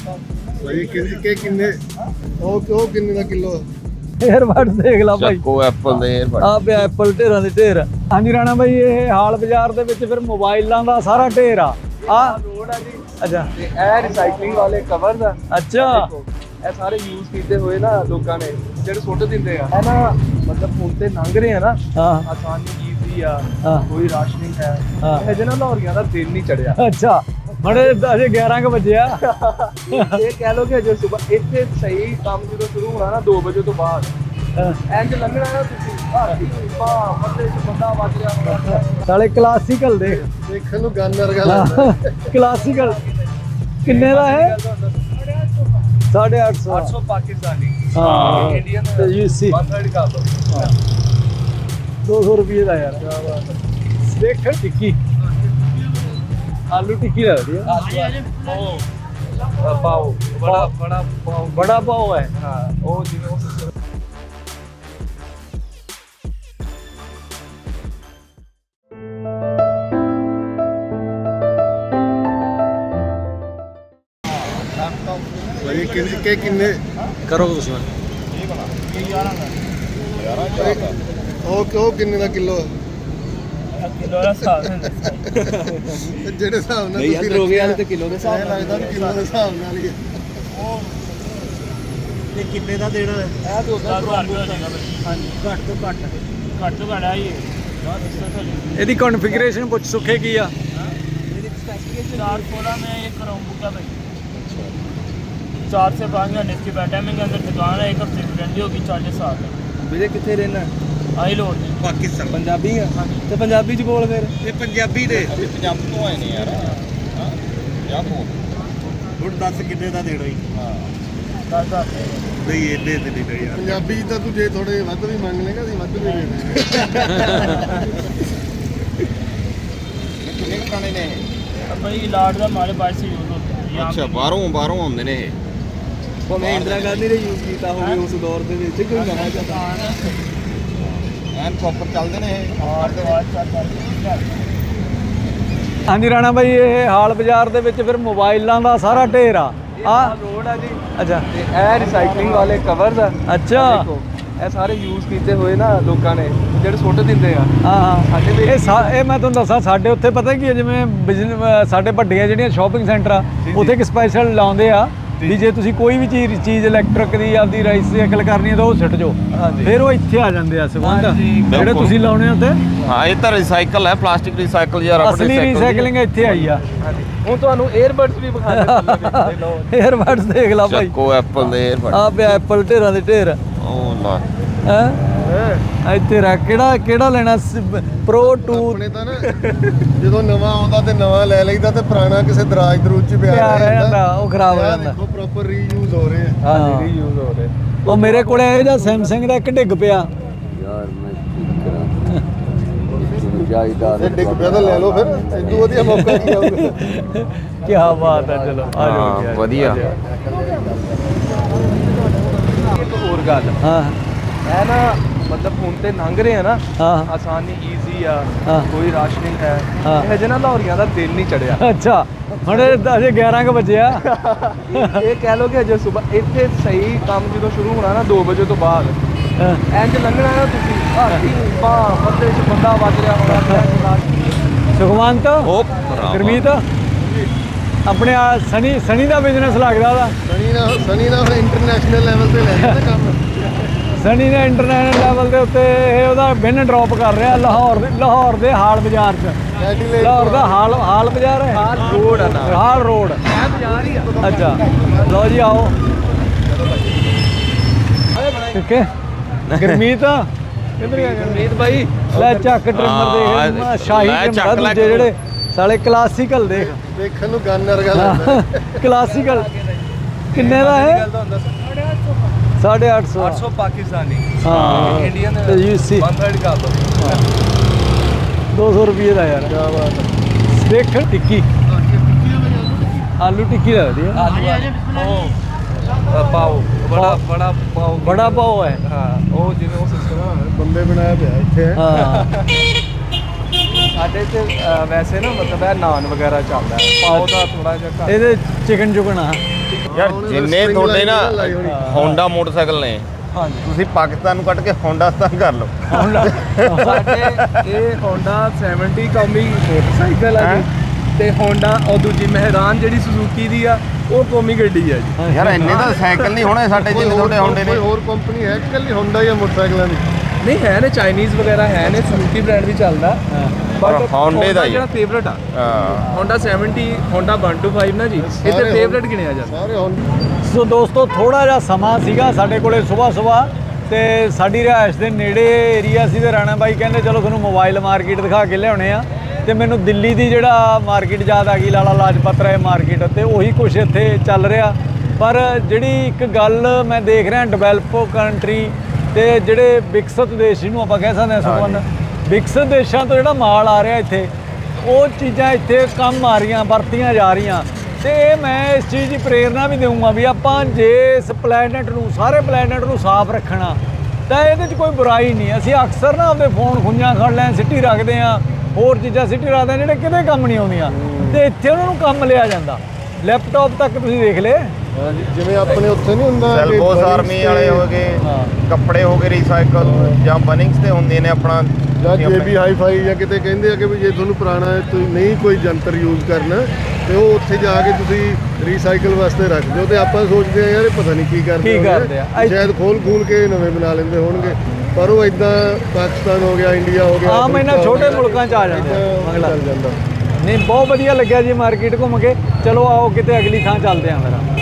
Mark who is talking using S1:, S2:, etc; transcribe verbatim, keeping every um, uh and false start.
S1: ਭਾਈ ਕਿ ਕਿੰਨੇ ਉਹ ਉਹ ਕਿੰਨੇ ਦਾ ਕਿਲੋ?
S2: ਏਅਰਬਡਸ ਦੇਖ ਲਾ ਭਾਈ,
S3: ਚੱਕੋ ਐਪਲ ਦੇ ਏਅਰਬਡ
S2: ਆ ਪਿਆ ਐਪਲ ਢੇਰਾਂ ਦੇ ਢੇਰ। ਹਾਂਜੀ ਰਾਣਾ ਭਾਈ, ਇਹ ਹਾਲ ਬਾਜ਼ਾਰ ਦੇ ਵਿੱਚ ਫਿਰ ਮੋਬਾਈਲਾਂ ਦਾ ਸਾਰਾ ਢੇਰ ਆ। ਆ
S4: ਲੋਡ ਆ ਜੀ
S2: ਅੱਛਾ,
S4: ਤੇ ਇਹ ਰੀਸਾਈਕਲਿੰਗ ਵਾਲੇ ਕਵਰਸ ਆ।
S2: ਅੱਛਾ
S4: ਇਹ ਸਾਰੇ ਯੂਜ਼ ਕੀਤੇ ਹੋਏ ਨਾ ਲੋਕਾਂ ਨੇ, ਜਿਹੜੇ ਸੁੱਟ ਦਿੰਦੇ ਆ। ਇਹ ਨਾ ਮਤਲਬ ਹੁਣ ਤੇ ਲੰਘ ਰਹੇ ਆ ਨਾ,
S2: ਹਾਂ
S4: ਆਸਾਨੀ ਈਜ਼ੀ ਆ,
S2: ਹਾਂ
S4: ਕੋਈ ਰਾਸ਼ਨਿੰਗ ਹੈ।
S2: ਹਾਂ।
S4: ਇਹ ਜਿਹਨਾਂ ਲਾਹੌਰੀਆਂ ਦਾ ਦਿਨ ਨਹੀਂ ਚੜਿਆ।
S2: ਅੱਛਾ, ਬੜੇ ਅਜੇ ਗਿਆਰਾਂ ਕੁ ਵਜੇ ਆ।
S4: ਇਹ ਕਹਿ ਲੋ ਕਿ ਅਜੇ ਸਵੇਰ ਇੱਥੇ ਸਹੀ ਕੰਮ ਜਦੋਂ ਸ਼ੁਰੂ ਹੋਣਾ ਨਾ ਦੋ ਵਜੇ ਤੋਂ ਬਾਅਦ, ਇੰਜ ਲੰਘਣਾ ਨਾ ਤੁਸੀਂ ਹਾਥੀ ਪਾ ਮੱਥੇ ਚ ਬੰਦਾ ਵੱਜ ਰਿਹਾ ਹੋਣਾ।
S2: ਸਾਲੇ ਕਲਾਸੀਕਲ ਦੇਖ,
S1: ਦੇਖਣ ਨੂੰ ਗੰਨ ਵਰਗਾ ਲੱਗਦਾ।
S2: ਕਲਾਸੀਕਲ ਕਿੰਨੇ ਦਾ ਹੈ? ਸਾਢੇ ਅੱਠ ਸੌ।
S4: ਅੱਠ ਸੌ ਪਾਕਿਸਤਾਨੀ,
S2: ਹਾਂ
S4: ਇੰਡੀਅਨ
S2: ਤੇ ਯੂ ਸੀ
S4: ਇੱਕ ਸੌ ਕਰ ਲਓ।
S2: ਦੋ ਸੌ ਰੁਪਏ ਦਾ ਯਾਰ। ਦੇਖ ਟਿੱਕੀ, ਆਲੂ ਟਿੱਕੀ ਲੱਗਦੀ ਆ।
S4: ਉਹ ਪਾਓ ਬੜਾ ਬੜਾ ਪਾਓ,
S2: ਬੜਾ ਪਾਓ ਹੈ।
S4: ਹਾਂ ਉਹ ਜਿਵੇਂ ਉਹ
S1: ਭਾਈ ਕਿੰਨੇ ਕਿ ਕਿੰਨੇ
S2: ਕਰੋ ਤੁਸੀਂ
S1: ਉਹ ਉਹ ਕਿੰਨੇ ਦਾ ਕਿਲੋ?
S4: ਕਿਲੋ ਦਾ ਹਿਸਾਬ
S1: ਜਿਹੜੇ ਹਿਸਾਬ ਨਾਲ
S4: ਨਹੀਂ ਯਾਰ ਰੋਗੇ ਵਾਲੇ ਤੇ ਕਿਲੋ ਦੇ ਹਿਸਾਬ
S1: ਇਹ
S4: ਨਾਲ
S1: ਲੱਗਦਾ ਵੀ ਕਿਲੋ ਦੇ ਹਿਸਾਬ ਨਾਲ ਹੀ ਹੈ।
S4: ਤੇ ਕਿੰਨੇ ਦਾ ਦੇਣਾ ਹੈ? ਇਹ ਤਾਂ ਉਦਾਂ ਪ੍ਰੋਮੋ ਹੈਗਾ ਬਈ। ਹਾਂਜੀ ਘੱਟ ਤੋਂ ਘੱਟ ਘੱਟ ਤੋਂ ਘੱਟ ਆ ਇਹ
S2: ਇਹਦੀ ਕਨਫੀਗਰੇਸ਼ਨ ਪੁੱਛ ਸੁੱਖੇ ਕੀ ਆ?
S4: ਇਹਦੀ स्पेसिफिकेशन
S5: चार सोलह में एक क्रोमबुक है भाई। चार से पाँच घंटे इसकी बैठ टाइमिंग के अंदर दुकान है, एक हफ्ते की गारंटी होगी, चार्जेस साथ है।
S4: ਵੀਰੇ ਕਿੱਥੇ ਰਹਿਣਾ?
S5: आई लोड
S4: ਪਾਕਿਸਤਾਨ। ਪੰਜਾਬੀ ਆ? ਤੇ ਪੰਜਾਬੀ ਚ ਬੋਲ ਫਿਰ। ਇਹ ਪੰਜਾਬੀ ਦੇ
S3: ਪੰਜਾਬ ਤੋਂ ਆਏ ਨੇ ਯਾਰ। ਹਾਂ ਪੰਜਾਬ ਤੋਂ।
S4: ਹੁਣ ਦੱਸ ਕਿੰਨੇ ਦਾ ਦੇਣਾ ਹੀ?
S5: दस हज़ार
S4: ਨਹੀਂ ਇਹਦੇ ਤੇ ਨਹੀਂ ਦੇਣਾ ਯਾਰ।
S1: ਪੰਜਾਬੀ ਤਾਂ ਤੂੰ ਜੇ ਥੋੜੇ ਵੱਧ ਵੀ ਮੰਗ ਲੇਗਾ ਅਸੀਂ ਵੱਧ ਵੀ ਦੇ ਦੇਵਾਂਗੇ।
S3: ਕਿੰਨੇ ਕੁ ਪੁਰਾਣੇ ਨੇ ਇਹ?
S5: भाई लाड का हमारे पास से यूज होता है यहाँ
S3: ਅੱਛਾ,
S5: पे।
S3: ਬਾਹਰੋਂ ਬਾਹਰੋਂ ਆਉਂਦੇ ਨੇ ਇਹ।
S4: ਭਾਵੇਂ ਇੰਦਰਾ ਗਾਂਧੀ ਨੇ ਯੂਜ਼ ਕੀਤਾ ਹੋਵੇ ਉਸ ਦੌਰ ਦੇ ਵਿੱਚ, ਕੋਈ ਨਵਾਂ ਜਾਂਦਾ।
S3: ਐਨ ਪ੍ਰੋਪਰ ਚੱਲਦੇ ਨੇ ਇਹ।
S5: और तो आज चार चार
S2: ਹਾਂਜੀ ਰਾਣਾ ਭਾਈ, ਇਹ ਹਾਲ ਬਾਜ਼ਾਰ ਦੇ ਵਿੱਚ ਫਿਰ ਮੋਬਾਈਲਾਂ ਦਾ ਸਾਰਾ ਢੇਰ ਆ। ਆ
S4: ਲੋਡ ਆ ਜੀ।
S2: ਅੱਛਾ
S4: ਤੇ ਇਹ ਰੀਸਾਈਕਲਿੰਗ ਵਾਲੇ ਕਵਰਸ ਆ।
S2: ਅੱਛਾ
S4: ਦੇਖੋ, ਇਹ ਸਾਰੇ ਯੂਜ਼ ਕੀਤੇ ਹੋਏ ਨਾ ਲੋਕਾਂ ਨੇ, ਜਿਹੜੇ ਸੁੱਟ ਦਿੰਦੇ ਆ।
S2: ਹਾਂ ਹਾਂ
S4: ਸਾਡੇ ਵੀ
S2: ਇਹ ਸਾ- ਇਹ ਮੈਂ ਤੁਹਾਨੂੰ ਦੱਸਾਂ, ਸਾਡੇ ਉੱਥੇ ਪਤਾ ਕੀ ਹੈ, ਜਿਵੇਂ ਬਿਜ਼ਨਸ ਸਾਡੇ ਵੱਡੀਆਂ ਜਿਹੜੀਆਂ ਸ਼ਾਪਿੰਗ ਸੈਂਟਰ ਆ, ਉੱਥੇ ਇੱਕ ਸਪੈਸ਼ਲ ਲਾਉਂਦੇ ਆ ਵੀ ਜੇ ਤੁਸੀਂ ਕੋਈ ਵੀ ਚੀਜ਼ ਚੀਜ਼ ਇਲੈਕਟ੍ਰਿਕ ਦੀ ਆਪਦੀ ਰਾਈਸਾਈਕਲ ਕਰਨੀ ਹੈ ਤਾਂ ਉਹ ਸਿੱਟ ਜਾਓ।
S4: ਹਾਂਜੀ।
S2: ਫਿਰ ਉਹ ਇੱਥੇ ਆ ਜਾਂਦੇ ਆ ਸੰਬੰਧ
S4: ਹਾਂਜੀ,
S2: ਜਿਹੜੇ
S3: ਬਿਲਕੁਲ।
S2: ਤੁਸੀਂ ਲਾਉਣੇ ਉੱਤੇ।
S3: ਹਾਂ, ਇਹ ਤਾਂ ਰੀਸਾਈਕਲ ਹੈ, ਪਲਾਸਟਿਕ ਰੀਸਾਈਕਲ ਜਾਂ ਰਬੜ
S2: ਅਸਲੀ ਰੀਸਾਈਕਲਿੰਗ ਇੱਥੇ ਆਈ ਆ।
S4: ਹਾਂਜੀ। ਹੁਣ ਤੁਹਾਨੂੰ 에ਅਰਬਡਸ ਵੀ ਵਿਖਾ ਦੇ ਲਓ।
S2: ਏਅਰਬਡਸ ਦੇਖ ਲਾ ਭਾਈ,
S3: ਚੱਕੋ ਐਪਲ ਦੇ ਏਅਰਬਡ।
S2: ਆ ਪਿਆ ਐਪਲ ਢੇਰਾਂ ਦੇ ਢੇਰ।
S3: ਉਹ ਲਾ
S2: ਹੈ ਇੱਥੇ ਰੱਖ। ਕਿਹੜਾ ਕਿਹੜਾ ਲੈਣਾ? ਪ੍ਰੋ ਟੂ
S1: ਆਪਣੇ ਤਾਂ ਨਾ ਜਦੋਂ ਨਵਾਂ ਆਉਂਦਾ ਤੇ ਨਵਾਂ ਲੈ ਲਈਦਾ ਤੇ ਪੁਰਾਣਾ ਕਿਸੇ ਦਰਾਜ ਦਰੂਜ ਚ ਪਿਆ
S2: ਪਿਆ ਰਹਿ ਜਾਂਦਾ, ਉਹ ਖਰਾਬ ਹੋ ਜਾਂਦਾ।
S1: ਦੇਖੋ ਪ੍ਰੋਪਰ ਰੀਯੂਜ਼ ਹੋ ਰਹੇ ਆ।
S2: ਹਾਂ
S4: ਰੀਯੂਜ਼ ਹੋ ਰਹੇ।
S2: ਉਹ ਮੇਰੇ ਕੋਲੇ ਇਹ ਜਾਂ ਸੈਮਸੰਗ ਦਾ ਇੱਕ ਡਿੱਗ ਪਿਆ।
S3: ਯਾਰ ਮੈਂ ਕੀ ਕਰਾਂ ਜਾਇਦਾਦ
S1: ਜੇ ਡਿੱਗ ਪਿਆ ਤਾਂ ਲੈ ਲਓ ਫਿਰ, ਇਦੋਂ ਵਧੀਆ ਮੌਕਾ ਕੀ ਆਊਗਾ।
S2: ਕੀ ਬਾਤ ਹੈ, ਚਲੋ ਆ ਜਾਓ ਜੀ, ਆ
S3: ਹਾਂ
S2: ਜਾਓ।
S3: ਵਧੀਆ।
S4: ਇੱਕ ਹੋਰ ਗੱਲ,
S2: ਹਾਂ
S4: ਇਹ ਨਾ ਮਤਲਬ ਹੁਣ ਤੇ ਲੰਘ ਰਹੇ ਆ ਨਾ,
S2: ਹਾਂ
S4: ਆਸਾਨੀ ਈਜ਼ੀ ਆ,
S2: ਹਾਂ।
S4: ਕੋਈ ਰਾਸ਼ਨਿੰਗ ਹੈ।
S2: ਹਾਂ।
S4: ਇਹ ਜਿਹਨਾਂ ਲਾਹੌਰੀਆਂ ਦਾ ਦਿਨ ਨਹੀਂ ਚੜਿਆ।
S2: ਅੱਛਾ, ਹੁਣ ਅਜੇ ਗਿਆਰਾਂ ਕੁ ਵਜੇ ਆ।
S4: ਇਹ ਕਹਿ ਲੋ ਕਿ ਅਜੇ ਸਵੇਰ ਇੱਥੇ ਸਹੀ ਕੰਮ ਜਦੋਂ ਸ਼ੁਰੂ ਹੋਣਾ ਨਾ ਦੋ ਵਜੇ ਤੋਂ ਬਾਅਦ,
S2: ਹਾਂ।
S4: ਇੰਜ ਲੰਘਣਾ ਨਾ ਤੁਸੀਂ ਹਾਥੀ ਪਾ ਮੱਥੇ ਚ ਬੰਦਾ ਵੱਜ ਰਿਹਾ ਹੋਣਾ।
S2: ਸੁਖਵੰਤ,
S3: ਉਹ
S2: ਗੁਰਮੀਤ, ਆਪਣੇ ਆ ਸਨੀ ਸਨੀ ਦਾ ਬਿਜ਼ਨਸ ਲੱਗਦਾ ਉਹਦਾ।
S1: ਸਣੀ ਨਾ ਸਣੀ ਨਾ ਹੁਣ ਇੰਟਰਨੈਸ਼ਨਲ ਲੈਵਲ ਤੇ ਲੈ ਜਾਂਦਾ ਕੰਮ।
S2: ਸਨੀ ਨੇ ਇੰਟਰਨੈਸ਼ਨਲ ਲੈਵਲ ਦੇ ਉੱਤੇ ਇਹ ਉਹਦਾ ਬਿਨ ਡ੍ਰੌਪ ਕਰ ਰਿਹਾ ਲਾਹੌਰ ਦੇ ਲਾਹੌਰ ਦੇ ਹਾਲ ਬਾਜ਼ਾਰ 'ਚ।
S1: ਕੈਟੀਲੇਟ
S2: ਲਾਹੌਰ ਦਾ ਹਾਲ ਹਾਲ ਬਾਜ਼ਾਰ ਹੈ,
S4: ਹਾਲ ਰੋਡ ਆ ਨਾ।
S2: Hall Road.
S4: ਇਹ ਬਾਜ਼ਾਰ ਹੀ ਆ।
S2: ਅੱਛਾ, ਲਓ ਜੀ ਆਓ। ਠੀਕ ਹੈ ਗੁਰਮੀਤ, ਕਿੱਧਰ ਗਿਆ
S4: ਗੁਰਮੀਤ ਭਾਈ?
S2: ਲੈ ਚੱਕ ਟ੍ਰਿਮਰ
S3: ਹਾਂ,
S2: ਦੇਖ, ਸ਼ਾਹੀ
S3: ਲੈ ਚੱਕ
S2: ਟ੍ਰਿਮਰ
S3: ਲੈ
S2: ਦੂਜੇ ਜਿਹੜੇ ਸਾਲੇ ਕਲਾਸੀਕਲ ਦੇਖ।
S1: ਦੇਖਣ ਨੂੰ ਗੰਨ ਵਰਗਾ ਲੱਗਦਾ।
S2: ਕਲਾਸੀਕਲ ਕਿੰਨੇ ਦਾ ਹੈ? ਸਾਢੇ ਅੱਠ ਸੌ।
S4: ਅੱਠ ਸੌ ਪਾਕਿਸਤਾਨੀ,
S2: ਹਾਂ
S4: ਇੰਡੀਅਨ
S2: ਤੇ ਯੂ ਸੀ
S4: ਇੱਕ ਸੌ ਕਰ ਲਓ।
S2: ਦੋ ਸੌ ਰੁਪਏ ਦਾ ਯਾਰ।
S1: ਕਿਆ ਬਾਤ ਹੈ।
S2: ਦੇਖ ਟਿੱਕੀ, ਆਲੂ ਟਿੱਕੀ ਲੱਗਦੀ ਹੈ।
S4: ਆਲੂ ਉਹ ਪਾਓ ਬੜਾ ਬੜਾ ਪਾਓ,
S2: ਬੜਾ ਪਾਓ ਹੈ।
S4: ਹਾਂ ਉਹ ਜਿਵੇਂ ਉਹ ਸਿਸਟਮ
S1: ਬੰਬੇ ਬਣਾਇਆ ਪਿਆ ਇੱਥੇ ਹੈ।
S2: ਹਾਂ
S4: ਸਾਡੇ ਤੇ ਅ, ਵੈਸੇ ਨਾ ਮਤਲਬ ਇਹ ਨਾਨ ਵਗੈਰਾ ਚੱਲਦਾ ਹੈ, ਪਾਓ ਦਾ ਥੋੜਾ ਜਿਹਾ ਘੱਟ।
S2: ਇਹਦੇ ਚਿਕਨ ਚੁਕਨ ਆ।
S3: ਯਾਰ
S1: ਉਹਨੇ
S3: ਜਿੰਨੇ
S1: string
S3: ਤੁਹਾਡੇ
S1: ਲਾਈ
S3: ਨਾ
S1: ਲਾਈ ਹੋਣੀ।
S3: ਹੋਂਡਾ ਮੋਟਰਸਾਈਕਲ ਨੇ
S2: ਹਾਂਜੀ
S3: ਤੁਸੀਂ ਪਾਕਿਸਤਾਨ ਨੂੰ ਕੱਢ ਕੇ ਹੋਂਡਾਸਤਾਨ ਕਰ ਲਓ
S4: ਸਾਡੇ ਇਹ Honda ਸੈਵਨਟੀ ਕੌਮੀ ਮੋਟਰਸਾਈਕਲ ਆ ਜੀ ਤੇ Honda ਉਹ ਦੂਜੀ ਮਹਿਰਾਨ ਜਿਹੜੀ ਸੁਜ਼ੂਕੀ ਦੀ ਆ ਉਹ ਕੌਮੀ ਗੱਡੀ ਆ ਜੀ।
S3: ਯਾਰ ਇੰਨੇ ਤਾਂ ਸਾਈਕਲ ਨਹੀਂ ਹੋਣੇ ਸਾਡੇ
S1: ਕੋਈ
S3: ਜਿੰਨੇ
S1: ਹੋਰ
S3: ਤੁਹਾਡੇ ਹੋਂਡੇ ਨੇ
S1: ਕੋਈ ਹੋਰ ਕੰਪਨੀ ਹੈ ਕਿ ਕੱਲੀ ਹੋਂਡਾ ਜਾਂ ਮੋਟਰਸਾਈਕਲਾਂ ਦੀ?
S4: ਨਹੀਂ ਹੈ ਨੇ ਚਾਈਨੀਜ਼ ਵਗੈਰਾ ਹੈ ਨੇ ਸੁਜ਼ੂਕੀ ਬ੍ਰਾਂਡ ਵੀ ਚੱਲਦਾ
S3: ਪਰ Honda ਦਾ ਹੀ
S4: ਜਿਹੜਾ ਫੇਵਰਟ ਆ
S3: ਹਾਂ
S4: Honda seventy Honda one two five ਨਾ ਜੀ ਇੱਥੇ
S1: ਸਾਰੇ
S4: ਫੇਵਰਟ ਗਿਣਿਆ ਜਾਂਦਾ।
S1: ਸਾਰੇ ਹੋਂਡਾ
S2: ਸੋ ਦੋਸਤੋ ਥੋੜਾ ਜਿਹਾ ਸਮਾਂ ਸੀਗਾ ਸਾਡੇ ਕੋਲੇ ਸਵੇਰ ਸਵੇਰ ਤੇ ਸਾਡੀ ਰਿਹਾਇਸ਼ ਦੇ ਨੇੜੇ ਏਰੀਆ ਸੀ ਤੇ ਰਾਣਾ ਬਾਈ ਕਹਿੰਦੇ ਚਲੋ ਤੁਹਾਨੂੰ ਮੋਬਾਈਲ ਮਾਰਕੀਟ ਦਿਖਾ ਕੇ ਲਿਆਉਣੇ ਆ ਤੇ ਮੈਨੂੰ ਦਿੱਲੀ ਦੀ ਜਿਹੜਾ ਮਾਰਕੀਟ ਯਾਦ ਆ ਗਈ ਲਾਲਾ ਲਾਜਪਤ ਰਾਏ ਮਾਰਕੀਟ ਤੇ ਉਹੀ ਕੁਝ ਇੱਥੇ ਚੱਲ ਰਿਹਾ। ਪਰ ਜਿਹੜੀ ਇੱਕ ਗੱਲ ਮੈਂ ਦੇਖ ਰਿਹਾ ਡਿਵੈਲਪ ਕੰਟਰੀ ਤੇ ਜਿਹੜੇ ਵਿਕਸਿਤ ਦੇਸ਼ ਜਿਹਨੂੰ ਆਪਾਂ ਕਹਿ ਸਕਦੇ ਹਾਂ ਸੁਖਵੰਦ ਵਿਕਸਿਤ ਦੇਸ਼ਾਂ ਤੋਂ ਜਿਹੜਾ ਮਾਲ ਆ ਰਿਹਾ ਇੱਥੇ ਉਹ ਚੀਜ਼ਾਂ ਇੱਥੇ ਕੰਮ ਆ ਰਹੀਆਂ ਵਰਤੀਆਂ ਜਾ ਰਹੀਆਂ ਤੇ ਇਹ ਮੈਂ ਇਸ ਚੀਜ਼ ਦੀ ਪ੍ਰੇਰਨਾ ਵੀ ਦੇਵਾਂਗਾ ਵੀ ਆਪਾਂ ਜੇ ਇਸ ਪਲੈਨਟ ਨੂੰ ਸਾਰੇ ਪਲੈਨਟ ਨੂੰ ਸਾਫ਼ ਰੱਖਣਾ ਤਾਂ ਇਹਦੇ 'ਚ ਕੋਈ ਬੁਰਾਈ ਨਹੀਂ। ਅਸੀਂ ਅਕਸਰ ਨਾ ਆਪਦੇ ਫੋਨ ਖੁੰਝਾਂ ਖੜ ਲੈਣ ਸਿੱਟੀ ਰੱਖਦੇ ਹਾਂ ਹੋਰ ਚੀਜ਼ਾਂ ਸਿੱਟੀ ਰੱਖਦੇ ਹਾਂ ਜਿਹੜੇ ਕਿਤੇ ਕੰਮ ਨਹੀਂ ਆਉਂਦੀਆਂ ਤੇ ਇੱਥੇ ਉਹਨਾਂ ਨੂੰ ਕੰਮ ਲਿਆ ਜਾਂਦਾ। ਲੈਪਟਾਪ ਤੱਕ ਤੁਸੀਂ ਦੇਖ ਲਏ
S1: ਹਾਂਜੀ ਜਿਵੇਂ ਆਪਣੇ ਉੱਥੇ ਨਹੀਂ ਹੁੰਦਾ ਕਿ
S3: ਸੈਲਬੋਸ
S1: Bunnings
S3: ਆਰਮੀ
S1: ਤੇ
S3: ਵਾਲੇ ਹੋ ਗਏ
S2: ਹਾਂ।
S3: ਕੱਪੜੇ ਹੋ ਗਏ ਰੀਸਾਈਕਲ ਜਾਂ ਬਨਿੰਗਸ ਤੇ ਹੁੰਦੇ ਨੇ ਆਪਣਾ
S1: ਜਾਂ ਜੇਬੀ ਹਾਈ ਫਾਈ ਜਾਂ ਕਿਤੇ ਕਹਿੰਦੇ ਆ ਕਿ ਵੀ ਜੇ ਤੁਹਾਨੂੰ ਪੁਰਾਣਾ ਹੈ, ਤੁਸੀਂ ਨਹੀਂ ਕੋਈ ਜੰਤਰ ਯੂਜ਼ ਕਰਨਾ ਤੇ ਉਹ ਉੱਥੇ ਜਾ ਕੇ ਤੁਸੀਂ ਰੀਸਾਈਕਲ ਵਾਸਤੇ ਰੱਖ ਦਿਓ ਤੇ ਆਪਾਂ ਸੋਚਦੇ ਆ ਯਾਰ ਇਹ ਪਤਾ ਨਹੀਂ ਕੀ ਕਰਦੇ
S2: ਕੀ
S1: ਹੋਣਗੇ।
S2: ਕਰਦੇ ਆ।
S1: ਸ਼ਾਇਦ ਖੋਲ ਖੂਲ ਕੇ ਨਵੇਂ ਬਣਾ ਲੈਂਦੇ ਹੋਣਗੇ ਪਰ ਉਹ ਇਦਾਂ ਪਾਕਿਸਤਾਨ ਹੋ ਗਿਆ ਇੰਡੀਆ ਹੋ ਗਿਆ
S2: ਆਮ ਇਹਨਾਂ
S1: ਅਫਰੀਕਾ ਹੋ
S2: ਛੋਟੇ
S1: ਗਿਆ,
S2: ਮੁਲਕਾਂ 'ਚ ਆ ਜਾਂਦੇ ਆ,
S1: ਏਦਾਂ
S2: ਮੰਗਲਾ।
S1: ਚੱਲ ਜਾਂਦਾ।
S2: ਨਹੀਂ ਬਹੁਤ ਵਧੀਆ ਲੱਗਿਆ ਜੀ ਮਾਰਕੀਟ ਘੁੰਮ ਕੇ। ਚਲੋ ਆਓ ਕਿਤੇ ਅਗਲੀ ਥਾਂ ਚੱਲਦੇ ਆਂ ਮੇਰਾ